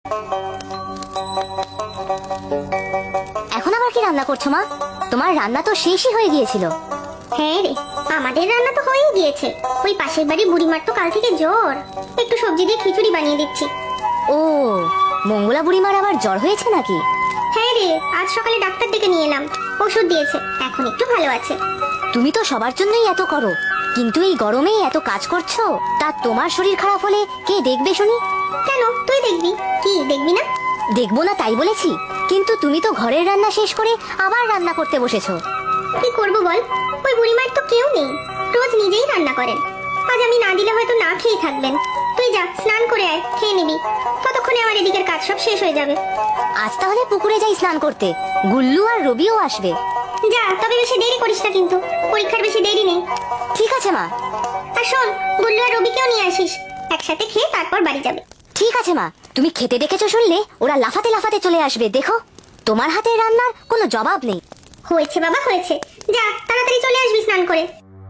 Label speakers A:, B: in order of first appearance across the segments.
A: এখন আবার কি রান্না করছো মা? তোমার রান্না তো শেষই হয়ে গিয়েছিল।
B: হ্যাঁ রে, আমাদের রান্না তো হয়েই গিয়েছে। ওই পাশের বাড়ি বুড়িমার তো কাল থেকে জ্বর, একটু সবজি দিয়ে খিচুড়ি বানিয়ে দিচ্ছি।
A: ও, মঙ্গলা বুড়িমার আবার জ্বর হয়েছে নাকি?
B: হ্যাঁ রে, আজ সকালে ডাক্তার ডেকে নিয়ে এলাম, ওষুধ দিয়েছে, এখন একটু ভালো আছে।
A: তুমি তো সবার জন্যই এত করো, কিন্তু এই গরমে এত কাজ করছো, তা তোমার শরীর খারাপ হলে কে দেখবে শুনি?
B: কেন, তুই দেখবি? কি দেখবি না?
A: দেখবো না তাই বলেছি, কিন্তু তুমি তো ঘরের রান্না শেষ করে আবার রান্না করতে বসেছো।
B: কি করবো বল, ওই বুড়িমার তো কেউ নেই, রোজ নিজেই রান্না করেন। আজ আমি না দিলে হয়তো না খেয়ে থাকবেন। তুই যা, স্নান করে আয়, খেয়ে নিবি, ততক্ষণে আমার এদিকের কাজ সব শেষ হয়ে যাবে।
A: আজ তাহলে পুকুরে যাই স্নান করতে, গুল্লু আর রবিও আসবে।
B: যা, তবে বেশি দেরি করিস না কিন্তু, পরীক্ষার বেশি দেরি নেই।
A: ঠিক আছে মা।
B: আর শোন, গুল্লু আর রবিকেও নিয়ে আসিস, একসাথে খেয়ে তারপর বাড়ি যাবে।
A: ঠিক আছে মা, তুমি খেতে ডেকেছো শুনলে ওরা লাফাতে লাফাতে চলে আসবে, দেখো তোমার হাতের রান্নার কোনো জবাব নেই।
B: হয়েছে বাবা, হয়েছে, যা তাড়াতাড়ি চলে আসবি স্নান করে।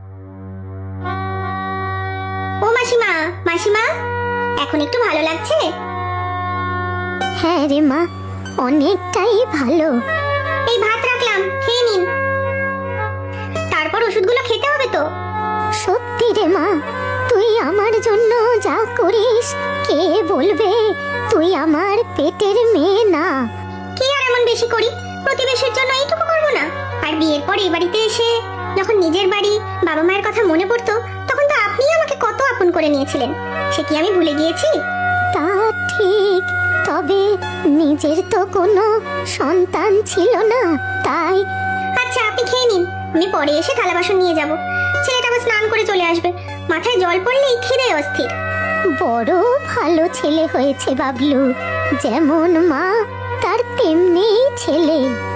B: ও মাসিমা, মাসিমা, এখন একটু ভালো লাগছে?
A: হ্যাঁ রে মা, অনেকটাই ভালো।
B: এই ভাত রাখলাম, খেয়ে নিন, তারপর ওষুধগুলো খেতে হবে তো।
A: সত্যি রে মা, তুই আমার জন্য যা করিস কে বলবে তুই আমার পেটের মেয়ে না?
B: কি আর এমন বেশি করি, প্রতিবেশীর জন্য এইটুকু করবো না? আর বিয়ের পর এই বাড়িতে এসে যখন নিজের বাড়ি, বাবা মায়ের কথা মনে পড়তো, তখন তো আপনি আমাকে কত আপন করে নিয়েছিলেন, সে কি আমি ভুলে গিয়েছি?
A: তা ঠিক, তবে নিজের তো কোনো সন্তান ছিল না, তাই।
B: আচ্ছা, আপনি খেয়ে নিন, আমি পরে এসে থালা বাসন নিয়ে যাব। ছেলেটা আবার স্নান করে চলে আসবে, মাথায় জল পড়লেই খিদে অস্থির।
A: বড় ভালো ছেলে হয়েছে বাবলু, যেমন মা তার তেমনি ছেলে।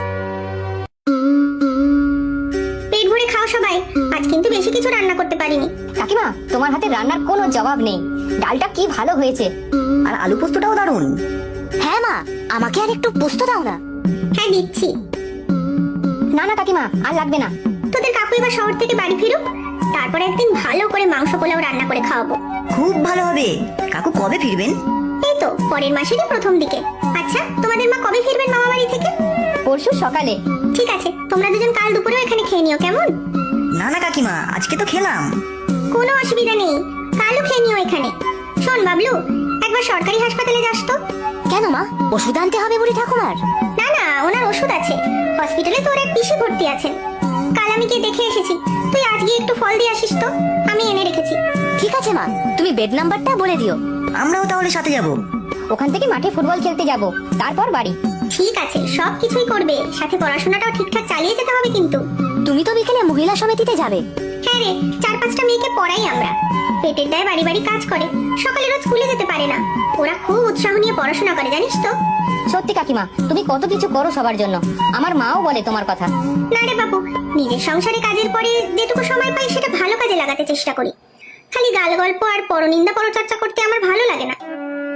B: পেট ভরে খাও সবাই, আজ কিন্তু বেশি কিছু রান্না করতে পারিনি।
A: কাকিমা, তোমার হাতে রান্নার কোনো জবাব নেই, ডালটা কি ভালো হয়েছে,
C: আর আলু পোস্তটাও দারুণ।
A: হ্যাঁ মা, আমাকে আর একটু পোস্ত দাও না।
B: হ্যাঁ দিচ্ছি।
A: না না কাকিমা, আর লাগবে না।
B: তোদের কাকু এবার শহর থেকে বাড়ি ফিরুক, তারপরে একদিন ভালো করে মাংস পোলাও রান্না করে খাওয়াবো।
C: খুব ভালো হবে। কাকু কবে ফিরবেন?
B: এই তো পরের মাসেরই প্রথম দিকে। আচ্ছা, তোমাদের মা কবে ফিরবেন মামা বাড়ি থেকে?
A: পরশু সকালে।
B: ঠিক আছে, তোমরা দুজন কাল দুপুরেও এখানে খেয়ে নিও, কেমন?
C: না না কাকিমা, আজকে তো খেলাম।
B: কোনো অসুবিধা নেই, কালও খেয়ে নিও এখানে। শোন বাবলু, একবার সরকারি হাসপাতালে যাস তো।
A: কেন মা, ওষুধ আনতে হবে বুড়ি ঠাকুমার?
B: না না, ওনার ওষুধ আছে, হসপিটালে তোর এক পিসি ভর্তি আছেন, কাল আমি গিয়ে দেখে এসেছি। তুই আজ গিয়ে একটু ফল দিয়ে আসিস তো, আমি এনে রেখেছি।
A: ঠিক আছে মা, তুমি বেড নাম্বারটা বলে দিও।
C: আমরাও তাহলে সাথে যাব।
A: ওখান থেকে মাঠে ফুটবল খেলতে যাব, তারপর বাড়ি।
B: ঠিক আছে, সব কিছুই করবে, সাথে পড়াশোনাটাও ঠিকঠাক চালিয়ে যেতে হবে কিন্তু।
A: তুমি তো বিকেলে মহিলা সমিতিতে যাবে।
B: হ্যাঁ রে, 4-5টা মেয়েকে পড়াই আমরা, পেটের দায়ে বাড়ি বাড়ি কাজ করে, সকালে রোজ স্কুলে যেতে পারে না, ওরা খুব উৎসাহ নিয়ে পড়াশোনা করে, জানিস তো।
A: সত্যি কাকিমা, তুমি কত কিছু করো সবার জন্য, আমার মাও বলে তোমার কথা।
B: না রে বাবু, নিজের সংসারে কাজের পরে যেটুকু সময় পাই সেটা ভালো কাজে লাগাতে চেষ্টা করি, খালি গাল গল্প আর পরনিন্দা পরচর্চা করতে আমার ভালো লাগে না।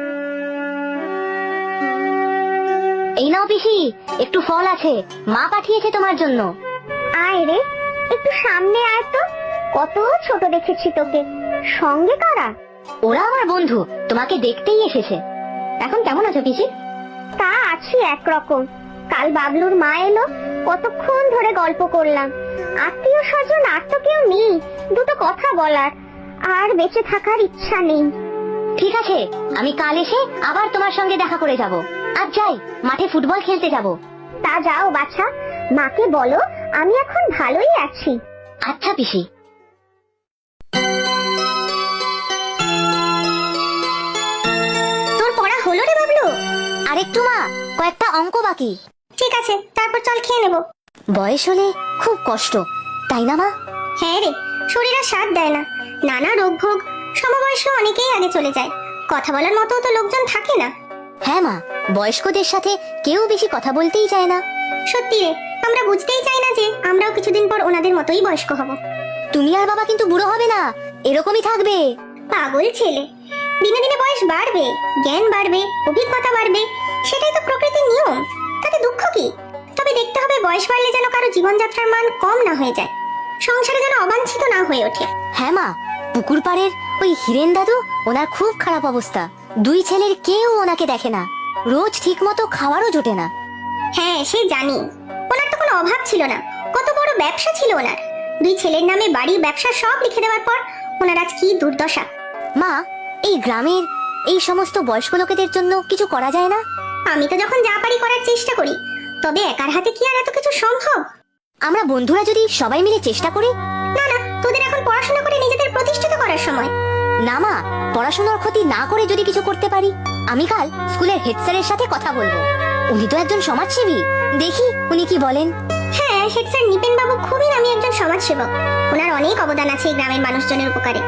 A: এই নাও পিসি, একটু ফল আছে, মা পাঠিয়েছে তোমার জন্য।
B: আয় রে, একটু সামনে আয় তো, কত ছোট দেখেছি তোকে, সঙ্গে কারা?
A: ওরা আমার বন্ধু, তোমাকে দেখতেই এসেছে। এখন কেমন আছো পিসি?
B: তা আছি একরকম, কাল বাবলুর মা এলো, কতক্ষণ ধরে গল্প করলাম, আত্মীয় স্বজন আর তো কেউ নেই দুটো কথা বলার, আর বেঁচে থাকার ইচ্ছা নেই।
A: ঠিক আছে, আমি কাল এসে আবার তোমার সঙ্গে দেখা করে যাব। আর যাই, মাঠে ফুটবল খেলতে যাব।
B: তা যাও বাছা, মাকে বলো আমি এখন ভালোই আছি।
A: আচ্ছা পিসি।
B: তোর পড়া হলো রে বাবলু?
A: আরেকটু মা, কয়েকটা অঙ্ক বাকি।
B: ঠিক আছে, তারপর চল খেয়ে নেবো।
A: বয়স হলে খুব কষ্ট, তাই না মা?
B: হ্যাঁ রে, শরীর আর সাথ দেয় না, নানা রোগ ভোগ, সমবয়সী অনেকেই আগে চলে যায়, কথা বলার মতো তো লোকজন থাকে না।
A: হ্যাঁ মা, বয়স্কদের সাথে কেউ বেশি কথা বলতেই চায় না।
B: সত্যি রে, আমরা বুঝতেই চাই না যে আমরাও কিছুদিন পর ওনাদের মতোই বয়স্ক হব।
A: তুমি আর বাবা কিন্তু বুড়ো হবে না, এরকমই থাকবে।
B: পাগল ছেলে, দিনে দিনে বয়স বাড়বে, জ্ঞান বাড়বে, অভিজ্ঞতা বাড়বে, সেটাই তো প্রকৃতির নিয়ম, তাতে দুঃখ কি? তবে দেখতে হবে বয়স বাড়লে যেন কারো জীবনযাত্রার মান কম না হয়ে যায়, সংসারে যেন অবাঞ্ছিত না হয়ে ওঠে।
A: হ্যাঁ মা, পুকুর পাড়ের ওই হিরেন দাদু, ওনার খুব খারাপ অবস্থা, দুই ছেলের কেউ ওনাকে দেখে না। রোজ ঠিক মতো খাওয়ারও জোটে না।
B: হ্যাঁ সে জানি, ওনার তো কোনো অভাব ছিল না, কত বড় ব্যবসা ছিল ওনার। 2 ছেলের নামে বাড়ি ব্যবসা সব লিখে দেওয়ার পর ওনার আজ কি দুর্দশা।
A: মা, এই গ্রামের এই সমস্ত বয়স্ক লোকেদের জন্য কিছু করা যায় না?
B: আমি তো যখন যা পারি করার চেষ্টা করি, তবে একার হাতে কি আর এত কিছু সম্ভব?
A: আমরা বন্ধুরা যদি সবাই মিলে চেষ্টা করি।
B: না না, তোদের এখন পড়াশোনা করে নিজেদের প্রতিষ্ঠিত করার সময়।
A: না মা, পড়াশোনার ক্ষতি না করে যদি কিছু করতে পারি। আমি কাল স্কুলের হেড স্যারের সাথে কথা বলবো। উনি তো একজন সমাজসেবী, দেখি উনি কি বলেন।
B: হ্যাঁ, হেড স্যার নিপেন বাবু খুবই নামী একজন সমাজসেবক। ওনার অনেক অবদান আছে এই গ্রামের মানুষজনের উপকারে।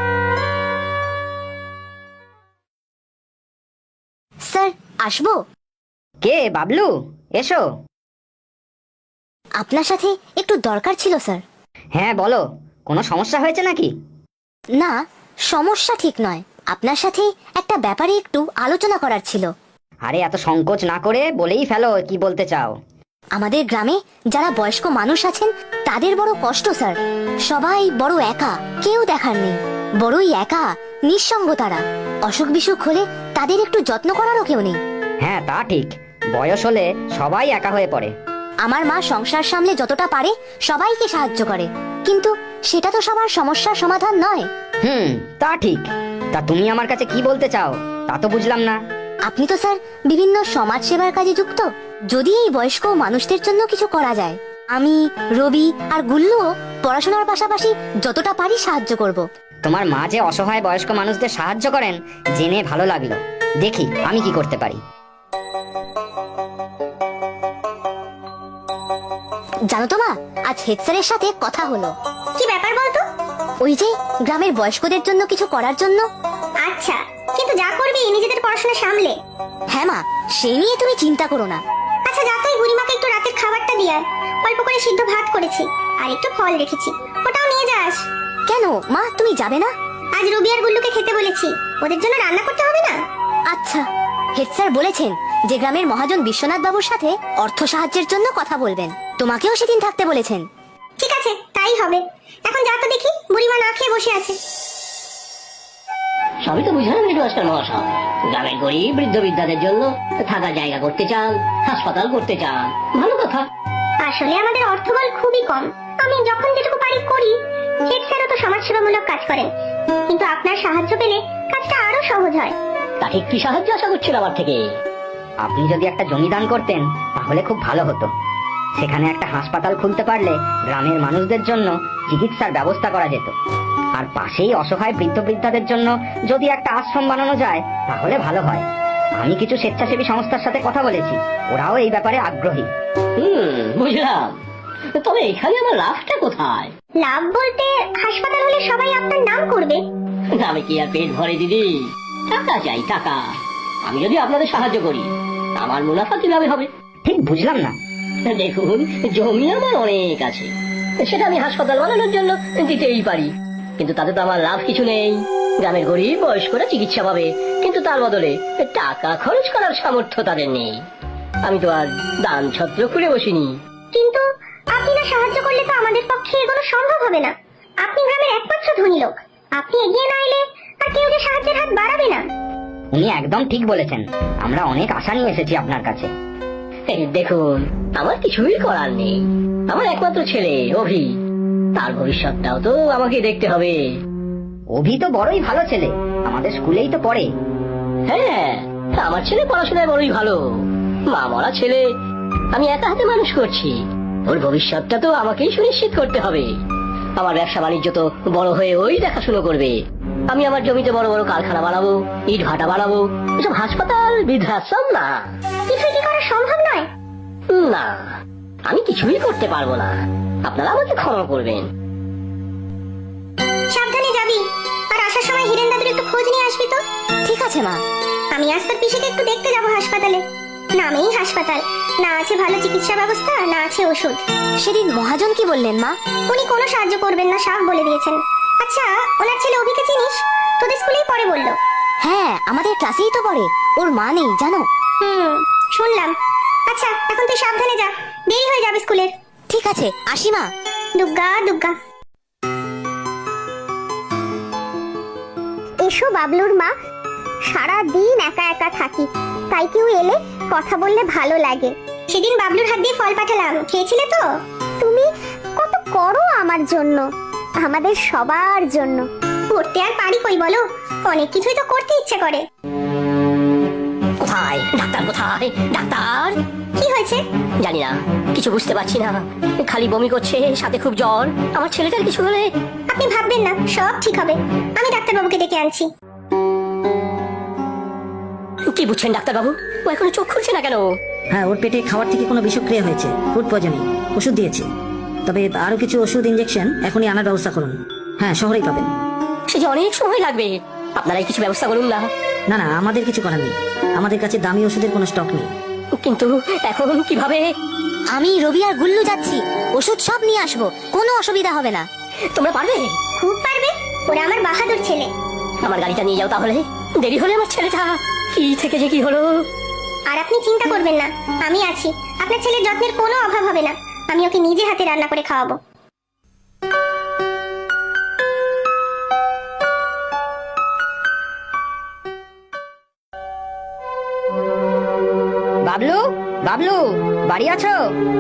A: স্যার, আসবো?
D: কে বাবলু? এসো।
A: আপনার সাথে একটু দরকার ছিল স্যার।
D: হ্যাঁ বলো, কোনো সমস্যা হয়েছে নাকি?
A: না, সমস্যা ঠিক নয়, আপনার সাথে একটা ব্যাপারে একটু আলোচনা করার ছিল।
D: আরে এত সংকোচ না করে বলেই ফেলো কি বলতে চাও।
A: আমাদের গ্রামে যারা বয়স্ক মানুষ আছেন তাদের বড় কষ্ট স্যার। সবাই বড় একা, কেউ দেখার নেই, বড়ই একা, নিঃসঙ্গ তারা। অসুখ বিসুখ হলে তাদের একটু যত্ন করারও কেউ নেই।
D: হ্যাঁ তা ঠিক, বয়স হলে সবাই একা হয়ে পড়ে।
A: আমার মা সংসার সামলে যতটা পারে সবাইকে সাহায্য করে, কিন্তু সেটা তো সবার সমস্যার সমাধান নয়।
D: তা ঠিক। তা তুমি আমার কাছে কি বলতে চাও তা তো বুঝলাম না।
A: আপনি তো স্যার বিভিন্ন সমাজ সেবার কাজে যুক্ত। যদি এই বয়স্ক মানুষদের জন্য কিছু করা যায়, আমি, রবি আর গুল্লুও পড়াশোনার পাশাপাশি যতটা পারি সাহায্য করব।
D: তোমার মা যে অসহায় বয়স্ক মানুষদের সাহায্য করেন জেনে ভালো লাগলো। দেখি আমি কি করতে পারি।
A: জানো তো মা, আজ হেড স্যারের সাথে কথা হলো।
B: কি ব্যাপার বলতো?
A: ওই যে গ্রামের বয়স্কদের জন্য কিছু করার জন্য।
B: আচ্ছা, কিন্তু যা করবি নিজেদের পড়াশোনা সামলে।
A: হ্যাঁ মা, সেই নিয়ে তুমি চিন্তা করো না।
B: আচ্ছা যা, তুই বুড়িমাকে একটু রাতের খাবারটা দিয়ে আয়। অল্প করে সিদ্ধ ভাত করেছি আর একটু ফল রেখেছি, ওটাও নিয়ে যাস।
A: কেন মা, তুমি যাবে না?
B: আজ রবি আর গুল্লুকে খেতে বলেছি, ওদের জন্য রান্না করতে হবে না।
A: আচ্ছা, হেড স্যার বলেছেন যে গ্রামের মহাজন বিশ্বনাথ বাবুর সাথে অর্থ সাহায্যের জন্য কথা বলবেন। তোমাকেও সেদিন থাকতে বলেছেন।
B: ঠিক আছে, তাই হবে। এখন যা তো দেখি, বুড়িমা না খেয়ে বসে আছে।
E: সবই তো বুঝলাম হেডমাস্টার মহাশয়, গ্রামের গরিব বৃদ্ধ বৃদ্ধাদের জন্য থাকার জায়গা করতে চান, হাসপাতাল করতে চান, ভালো কথা।
B: আসলে আমাদের অর্থবল খুবই কম, আমি যখন যেটুকু পারি করি। হেড স্যারও তো সমাজসেবামূলক কাজ করেন, কিন্তু আপনার সাহায্য পেলে কাজটা আরো সহজ হয়।
E: তা ঠিক কি সাহায্য আশা করছেন আমার থেকে?
D: আপনি যদি একটা জমি দান করতেন তাহলে খুব ভালো হতো। সেখানে একটা হাসপাতাল খুলতে পারলে গ্রামের মানুষদের জন্য চিকিৎসার ব্যবস্থা করা যেত। আর পাশেই অসহায় বৃদ্ধ বৃদ্ধাদের জন্য যদি একটা আশ্রম বানানো যায় তাহলে ভালো হয়। আমি কিছু স্বেচ্ছাসেবী সংস্থার সাথে কথা বলেছি, ওরাও এই ব্যাপারে আগ্রহী।
E: বুঝলাম, তবে এখানে আমার লাভটা কোথায়?
B: লাভ বলতে হাসপাতাল হলে সবাই আপনার নাম করবে।
E: আমি কি আর পেট ভরে দিদি? টাকা চাই, টাকা। আমি যদি আপনাদের সাহায্য করি আমার মুনাফা কিভাবে হবে?
D: ঠিক বুঝলাম না।
E: দেখুন, জমি আমার অনেক আছে, সেটা আমি হাসপাতাল বানানোর জন্য দিতেই পারি, কিন্তু তাতে তো আমার লাভ কিছু নেই। গ্রামের গরিব বয়স্করা চিকিৎসা পাবে, কিন্তু তার বদলে টাকা খরচ করার সামর্থ্য তাদের নেই। আমি তো আর দান ছত্র খুলে বসিনি।
B: কিন্তু আপনি না সাহায্য করলে তো আমাদের পক্ষে এগুলো সম্ভব হবে না। আপনি গ্রামের একমাত্র ধনী লোক, আপনি এগিয়ে না এলে আর কেউ যে সাহায্যের হাত বাড়াবে না।
D: উনি একদম ঠিক বলেছেন, আমরা অনেক আশা নিয়ে এসেছি আপনার কাছে।
E: দেখুন, আমার কিছুই করার নেই। আমার একমাত্র ছেলে অভি, তার ভবিষ্যৎটাও তো আমাকে দেখতে হবে।
D: অভি তো বড়ই ভালো ছেলে, আমাদের স্কুলেই তো পড়ে।
E: হ্যাঁ, আমার ছেলে পড়াশোনায় বড়ই ভালো। মা মরা ছেলে আমি একা হাতে মানুষ করছি, ওর ভবিষ্যৎটা তো আমাকেই সুনিশ্চিত করতে হবে। আমার ব্যবসা বাণিজ্য তো বড় হয়ে ওই দেখাশুনো করবে। আমি আমার জমিতে বড় বড় কারখানা বানাবো, ইট ভাটা বানাবো, এসব হাসপাতাল বৃদ্ধাশ্রম না।
B: কিছুই কি করা সম্ভব নয়?
E: না, আমি কিছুই করতে পারবো না, আপনারা আমাকে ক্ষমা করবেন।
B: সাবধানে যাবি, আর আসার সময় হিরেন দাদুর একটু খোঁজ নিয়ে আসবি তো।
A: ঠিক আছে মা।
B: আমি আজ তোর পিসিকে একটু দেখতে যাবো হাসপাতালে। নামেই হাসপাতাল, না আছে ভালো চিকিৎসা ব্যবস্থা, না আছে ওষুধ।
A: সেদিন মহাজন কি বললেন মা?
B: উনি কোনো সাহায্য করবেন না, সাফ বলে দিয়েছেন। আচ্ছা, ওনার ছেলে অভিকে চিনিস? তোদের স্কুলেই পড়ে বললো।
A: হ্যাঁ, আমাদের ক্লাসেই তো পড়ে। ওর মা নেই জানো?
B: শুনলাম। আচ্ছা, এখন তুই সাবধানে যা, দেরি হয়ে যাবে স্কুলের।
A: ঠিক আছে, আসি মা।
B: দুগ্গা দুগ্গা। এসো বাবলুর মা, সারা দিন একা একা থাকি, তাই কেউ এলে কথা বললে ভালো লাগে। সেদিন বাবলুর হাত দিয়ে ফল পাঠালাম, খেয়েছিলে তো? তুমি কত করো আমার জন্য, আমাদের সবার জন্য। করতে আর পারি কই বলো, অনেক কিছুই তো করতে ইচ্ছে করে।
E: কোথায় ডাক্তার, কোথায় ডাক্তার?
B: কি হয়েছে?
E: জানি না, কিছু বুঝতে পারছি না, খালি বমি করছে, সাথে খুব জ্বর। আমার ছেলেটার কিছু হলে?
B: আপনি ভাববেন না, সব ঠিক হবে। আমি ডাক্তারবাবুকে ডেকে আনছি।
E: কি বুঝছেন ডাক্তারবাবু? ও এখনো চোখ খুলছে না কেন?
C: হ্যাঁ, ওর পেটে খাওয়ার থেকে কোনো বিষক্রিয়া হয়েছে, ফুড পয়জনিং। ওষুধ দিয়েছি, তবে আরো কিছু ওষুধ ইনজেকশন এখনই আনার ব্যবস্থা করুন। হ্যাঁ, শহরেই পাবেন।
E: সে যে অনেক সময় লাগবে, আপনারাই কিছু ব্যবস্থা করুন না।
C: না না, আমাদের কিছু করার নেই, আমাদের কাছে দামি ওষুধের কোনো স্টক নেই।
E: কিন্তু এখন কিভাবে?
A: আমি রবি আর গুল্লু যাচ্ছি, ওষুধ সব নিয়ে আসবো, কোনো অসুবিধা হবে না।
E: তোমরা পারবে?
B: খুব পারবে, ওরা আমার বাহাদুর ছেলে।
E: আমার গাড়িটা নিয়ে যাও তাহলে, দেরি হলে আমার ছেলেটা কি থেকে যে কি হলো।
B: আর আপনি চিন্তা করবেন না, আমি আছি। আপনার ছেলের যত্নের কোনো অভাব হবে না। আমি ওকে নিজে হাতে রান্না করে খাওয়াবো।
D: বাবলু, বাবলু, বাড়ি আছো?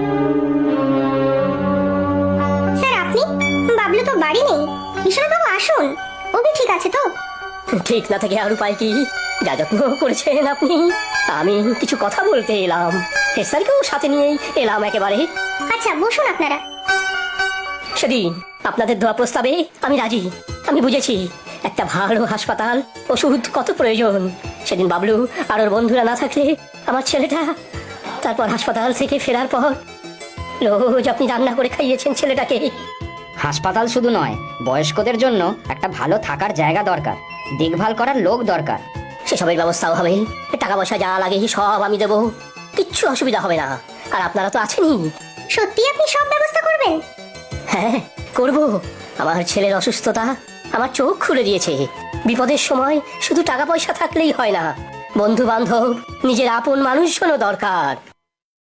B: স্যার আপনি? বাবলু তো বাড়ি নেই। বিশ্বনাথবাবু আসুন, ওকে ঠিক আছে তো?
E: ঠিক না থেকে আর উপায় কি? যা যত্ন করেছেন আপনি। আমি কিছু কথা বলতে এলাম, হেড স্যারকেও সাথে নিয়েই এলাম একেবারে।
B: আচ্ছা বসুন আপনারা।
E: সেদিন আপনাদের দেওয়া প্রস্তাবে আমি রাজি। আমি বুঝেছি একটা ভালো হাসপাতাল, ওষুধ কত প্রয়োজন। সেদিন বাবলু আর ওর বন্ধুরা না থাকলে আমার ছেলেটা, তারপর হাসপাতাল থেকে ফেরার পর রোজ আপনি রান্না করে খাইয়েছেন ছেলেটাকে।
D: হাসপাতাল শুধু নয়, বয়স্কদের জন্য একটা ভালো থাকার জায়গা দরকার, দেখভাল করার লোক দরকার।
E: সেসবের ব্যবস্থাও হবে, টাকা পয়সা যা লাগে সব আমি দেবো, কিচ্ছু অসুবিধা হবে না। আর আপনারা তো আছেনই।
B: সত্যি আপনি সব ব্যবস্থা করবেন?
E: হ্যাঁ করব। আমার ছেলের অসুস্থতা আমার চোখ খুলে দিয়েছে। বিপদের সময় শুধু টাকা পয়সা থাকলেই হয় না, বন্ধু বান্ধব, নিজের আপন মানুষজনও দরকার।